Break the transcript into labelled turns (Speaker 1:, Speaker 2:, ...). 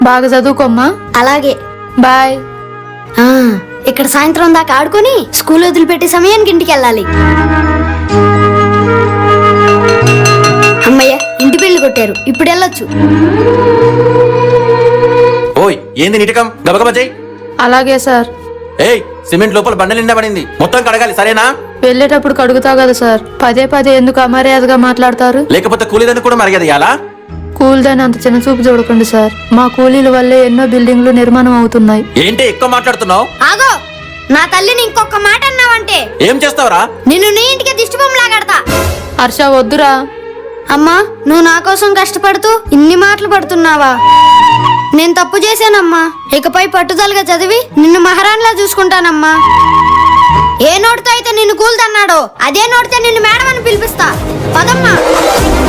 Speaker 1: బాగా చదువుకోమ్మా.
Speaker 2: అలాగే.
Speaker 1: బాయ్.
Speaker 2: ఇక్కడ సాయంత్రం దాకా ఆడుకొని స్కూల్ వదిలిపెట్టే సమయానికి ఇంటికి వెళ్ళాలి. అమ్మయ్య, ఇంటి పెళ్లి కొట్టారు, ఇప్పుడు వెళ్ళొచ్చు.
Speaker 3: ఓయ్ ఏంది నీటకం, గబగబా చెయ్.
Speaker 1: అలాగే సార్.
Speaker 3: ఏయ్ సిమెంట్ లోపల బండ నిండా పడింది, మొత్తం కడగాలి సరేనా?
Speaker 1: వెళ్ళేటప్పుడు కడుగుతా కదా సార్. పదే పదే ఎందుకు అమర్యాదగా మాట్లాడతారు?
Speaker 3: లేకపోతే కూలీదని కూడా మర్యాద ఇయ్యాలా?
Speaker 1: కూలీదని అంత చిన్న చూపు చూడకండి సార్. మా కూలీల వల్లే ఎన్నో బిల్డింగ్లు నిర్మాణం అవుతున్నాయి.
Speaker 3: ఏంటి ఎక్కువ మాట్లాడుతున్నావు?
Speaker 2: ఆగో, నా తల్లిని ఇంకొక మాట అన్నావంటే
Speaker 3: ఏం చేస్తావురా?
Speaker 2: నిన్ను నీ ఇంటికి దిష్టి బొమ్మలా కడతా.
Speaker 1: హర్ష వద్దురా.
Speaker 2: అమ్మా, నువ్వు నా కోసం కష్టపడుతూ ఇన్ని మాటలు పడుతున్నావా? నేను తప్పు చేశానమ్మా. ఇకపై పట్టుదలగా చదివి నిన్ను మహారాణిలా చూసుకుంటానమ్మా. ఏ నోటితో అయితే నిన్ను కూల్దన్నాడో అదే నోటితో నిన్ను మేడం అని పిలిపిస్తా. పదమ్మా.